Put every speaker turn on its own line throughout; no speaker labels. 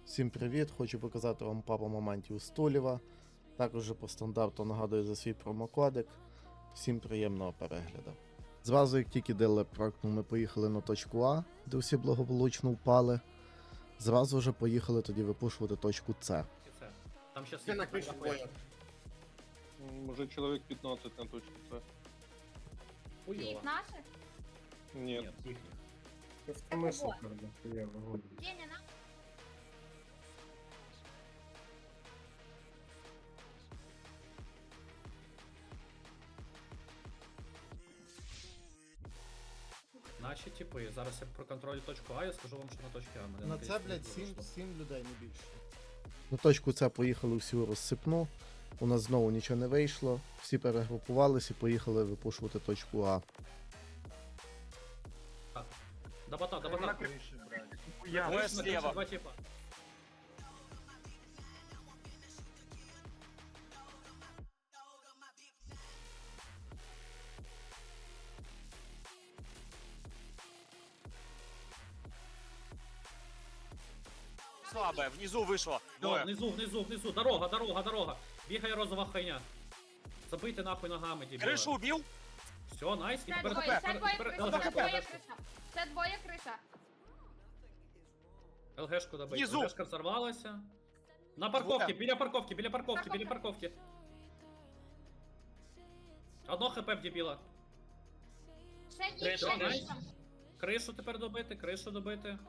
Всім привіт! Хочу показати вам пару моментів у Стулєва. Також по стандарту нагадую за свій промокодик. Всім приємного перегляду. Зразу, як тільки дилер прокнув, ми поїхали на точку А, де всі благополучно впали. Зразу вже поїхали тоді випушувати точку С.
Там сейчас
Все на крыше двое.
Уже человек 15 на точке С.
Хуёво.
наших?
Нет.
Нет, их.
В смысле, правда? Я могу.
Деня, на?
Наші типи. Зараз я проконтролю точку А, я скажу вам, що на точці А. Мене
На це,
наконець
блядь,
не вийшло.
7 людей, не більше. На точку С поїхали всю розсипну. У нас знову нічого не вийшло. Всі перегрупувалися і поїхали випушувати точку А.
До бота, до бота.
Я.
Двое слева. Два типа.
Слабая, внизу вышло.
О, внизу. Дорога. Бігає розова хуйня. Забийте нахуй ногами, дебіла.
Крышу убил?
Все, найс. І
Це
тепер
двоє
ЛГшку.
криша. Це двоє криша.
ЛГшку добить.
Внизу.
ЛГшка взорвалася. На парковці, біля парковки. Одно хп в дебіла.
Ще є, ще
Найс.
криша.
Кришу тепер добити.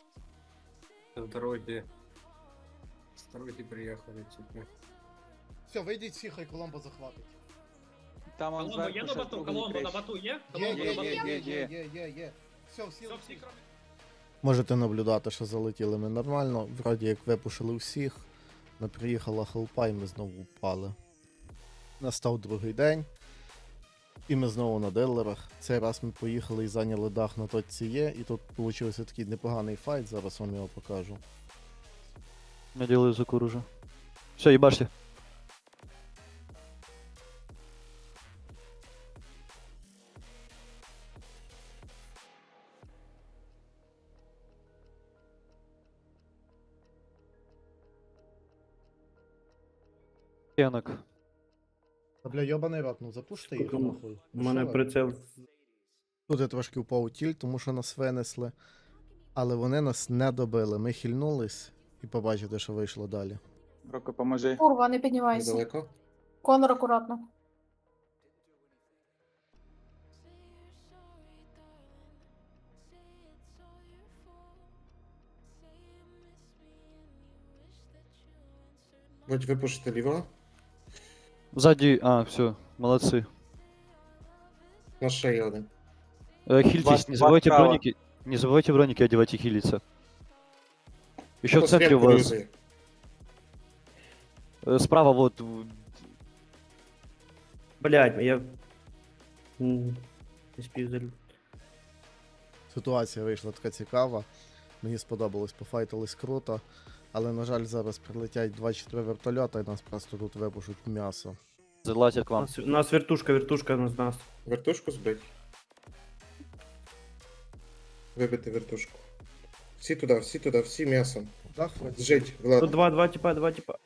Второй ты приехали, типа.
Все, вийдіть всі, хай Коломбо захватить.
Там он
Коломбо є на бату? Коломбо на бату є? Коломбо на бату
Є. Все, всі.
Все, всі кроме.
Можете наблюдати, що залетіли ми нормально. Вроді як випушили всіх. Не приїхала хелпа і ми знову впали. Настав другий день. І ми знову на дилерах. Цей раз ми поїхали і зайняли дах на точці Є. І тут вийшов такий непоганий файт, зараз вам його покажу.
Я делаю закур уже. Все, ебашьте. Янок.
Та бля, йобаний рот, ну запушти їх
Скільки
нахуй.
У мене прицел.
Тут я трошки впав у тіль, тому що нас винесли. Але вони нас не добили. Ми хильнулись і побачите, що вийшло далі.
Броко, поможи.
Курва, не піднімайся.
Недалеко.
Конор, акуратно.
Будь выпушите лево.
Сзади, все, молодцы.
На шее один.
Хильтесь, не забывайте броники. Не забывайте броники одевать и хилиться. Еще в центре у вас. Справа вот.
Блядь, я... Не спіздалю.
Ситуація вийшла така цікава. Мені сподобалось, пофайтились круто. Але, на жаль, зараз прилетять 24 вертольота і нас просто тут випушуть м'ясо.
Залазят к вам.
У нас вертушка на нас.
Вертушку збить. Вибити вертушку. Всі туди, всі м'ясом.
Дах
Зжить,
Тут
Влад.
два типа.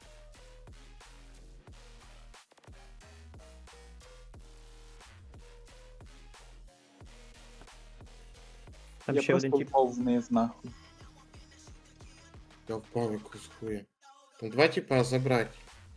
Там ще один тип.
вниз, нахуй.
Я впав якусь хуя. Там два типа забрать.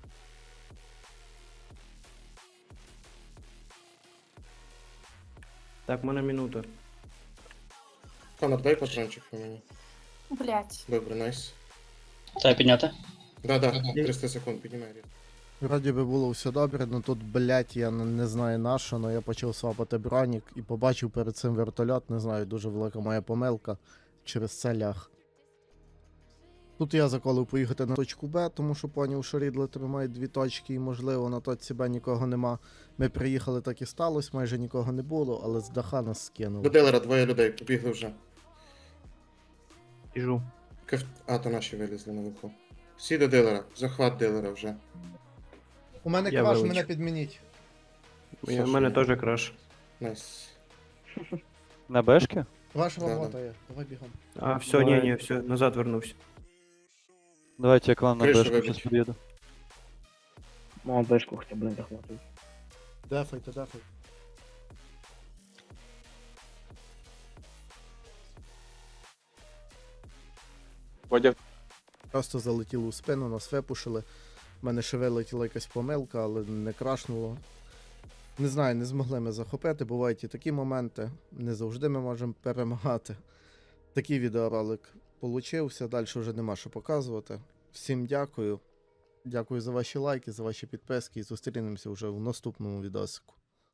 Так, в мене минута.
Конор, дай патрончик по мені.
Блять.
Добре, найс.
Треба підняти?
Да, 300 секунд, піднімай. Рід.
Вроді би було все добре, але тут, блять, я не знаю на що, але я почав свапати бронік і побачив перед цим вертольот, не знаю, дуже велика моя помилка, через це ляг. Тут я заколив поїхати на точку Б, тому що поняв, що Рідлер тримає дві точки і, можливо, на точці Б нікого нема. Ми приїхали, так і сталося, майже нікого не було, але з даха нас
До
скинули.
дилера двоє людей, побігли вже.
Біжу.
То наші вилізли наверху. Всі до дилера, захват дилера вже.
У мене
Я
краш,
вилучу.
мене підмініть.
У мене теж краш.
Найс.
На бэшке?
Ваша
Да,
робота є, давай бігом.
А, все, не, все, назад вернувся.
Давайте я к вам на
Крышу
бэшку
выбить.
сейчас подъеду.
Молодежку хотя бы захватывать.
Дефайте, дефайте.
Водя
Просто залетіло у спину, нас випушили. У мене ще вилетіла якась помилка, але не крашнуло. Не знаю, не змогли ми захопити. Бувають і такі моменти. Не завжди ми можемо перемагати. Такий відеоролик получився. Далі вже нема що показувати. Всім дякую. Дякую за ваші лайки, за ваші підписки і зустрінемося вже в наступному відосику.